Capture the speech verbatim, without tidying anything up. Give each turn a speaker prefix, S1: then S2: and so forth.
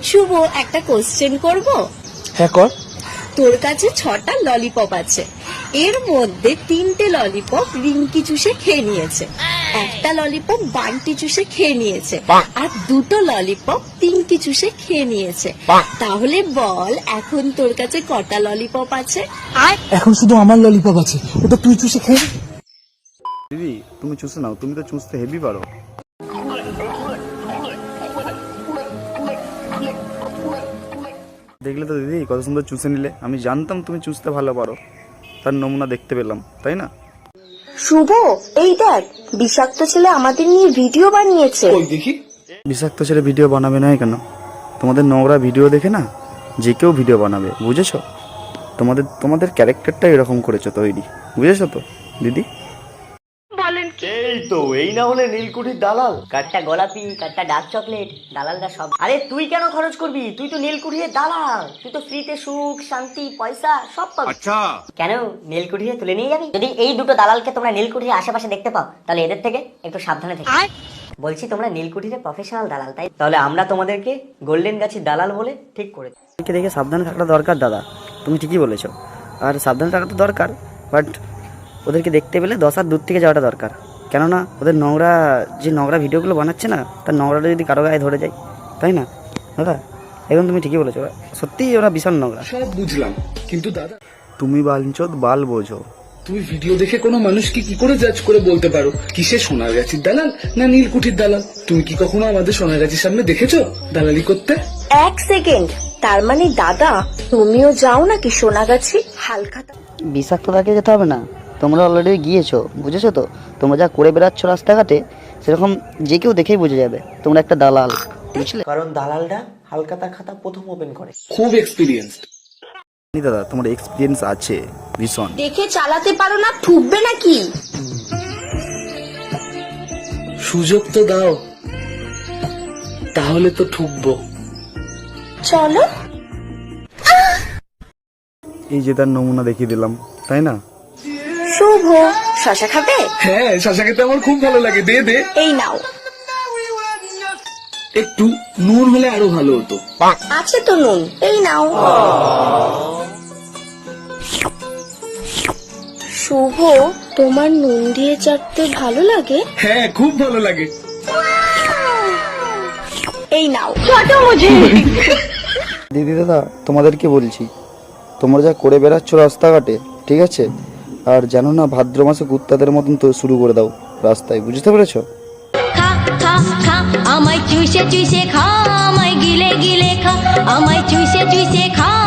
S1: শুভ, একটা কোশ্চেন করব?
S2: হ্যাঁ কর।
S1: তোর কাছে ছটা ললিপপ আছে, এর মধ্যে তিনটে ললিপপ রিঙ্কি চুষে খেয়ে নিয়েছে, একটা ললিপপ বান্টি চুষে খেয়ে নিয়েছে, আর দুটো ললিপপ পিঙ্কি চুষে খেয়ে নিয়েছে। তাহলে বল এখন তোর কাছে কটা ললিপপ আছে?
S2: এখন শুধু আমার ললিপপ আছে, ওটা তুই চুষে খেয়ে।
S3: দিদি তুমি চুষে নাও, তুমি তো চুষতে হেভি পারো। দেখলে তো দিদি কত সুন্দর চুষে নিলে। আমি জানতাম তুমি চুষতে ভালো পারো, তার নমুনা দেখতে পেলাম, তাই না?
S1: শুভ, এই দেখ বিষাক্ত ছেলে আমাদের নিয়ে ভিডিও বানিয়েছে।
S2: দেখি।
S3: বিষাক্ত ছেলে ভিডিও বানাবে না কেন? তোমাদের নোংরা ভিডিও দেখে না যে কেউ ভিডিও বানাবে, বুঝেছো? তোমাদের তোমাদের ক্যারেক্টারটা এরকম করেছো তৈরি, বুঝেছো তো দিদি?
S4: এই তো, এই না হলে নীলকুঠির দালাল। কাঠটা গোলাপি, কাঠটা ডার্ক চকলেট, দালালরা সব। আরে তুই কেন খরচ করবি? তুই তো নীলকুঠির দালাল, তুই তো ফ্রিতে সুখ শান্তি পয়সা সব পাবি। আচ্ছা কেন নীলকুঠিরে তুলে নিয়ে যাবি? যদি এই দুটো দালালকে তোমরা নীলকুঠির আশেপাশে দেখতে পাও তাহলে এদের থেকে একটু সাবধানে থেকো। বলছি তোমরা নীলকুঠিরে প্রফেশনাল দালাল, তাই তাহলে আমরা তোমাদেরকে গোল্ডেন গাছের দালাল বলে ঠিক করে দিই।
S3: দেখে দেখে সাবধানে থাকাটা দরকার দাদা, তুমি ঠিকই বলেছো। আর সাবধানে থাকা তো দরকার, বাট ওদেরকে দেখতে পেলে দশ হাত দূর থেকে যাওয়াটা দরকার। কেননা ওদের নোংরা যে নোংরা ভিডিওগুলো বানাচ্ছে না, তার নোংরাটা যদি কারো গায়ে ধরে যায়, তাই না দাদা? একদম তুমি ঠিকই বলেছো, সত্যিই ওরা ভীষণ নোংরা।
S2: সব বুঝলাম, কিন্তু দাদা
S3: তুমি বাঞ্চোদ বাল বোঝো।
S2: তুমি ভিডিও দেখে কোনো মানুষকে কি করে জাজ করে বলতে পারো কিসে সোনাগাছির দালাল না নীলকুঠির দালাল? তুমি কি কখনো আমাদের সোনাগাছির সামনে দেখেছো দালালি করতে?
S1: এক সেকেন্ড, তার মানে দাদা তুমিও যাও নাকি সোনাগাছি? হালকা
S5: বিষাক্ততাকে যেতে হবে না, তোমরা অলরেডি গিয়েছো, বুঝেছো তো? তোমরা যা করে বেড়াচ্ছ রাস্তাঘাটে, সেরকম যে কেউ দেখেই বুঝে যাবে তোমরা একটা দালাল, বুঝলে?
S4: কারণ দালালরা হালকাতা খাতা প্রথম ওপেন করে।
S2: খুব এক্সপিরিয়েন্সড
S3: দাদা তোমার এক্সপিরিয়েন্স আছে ভীষণ।
S1: দেখে চালাতে পারো না, ঠুকবে নাকি?
S2: সুযোগ তো দাও, তাহলে তো ঠুকবো।
S1: চলো।
S3: এই যে তার নমুনা দেখিয়ে দিলাম, তাই না?
S1: শুভ, শশা খাবে?
S2: হ্যাঁ, শশা খেতে আমার খুব ভালো লাগে, দে দে।
S1: এই নাও।
S2: একটু নুন হলে আরো ভালো হতো।
S1: আছে তো নুন, এই নাও। শুভ, তোমার নুন দিয়ে চাটতে ভালো লাগে?
S2: হ্যাঁ, খুব ভালো লাগে।
S1: এই নাও।
S3: দিদি দাদা তোমাদেরকে বলছি, তোমরা যা করে বেড়াচ্ছ রাস্তাঘাটে, ঠিক আছে? আর জানো না ভাদ্র মাসে কুত্তাদের মতন তো শুরু করে দাও রাস্তায়, বুঝতে পেরেছো?
S6: খা খা খা আমায় চুষে চুষে খা, আমায় গিলে গিলে খা, আমায় চুষে চুষে খা।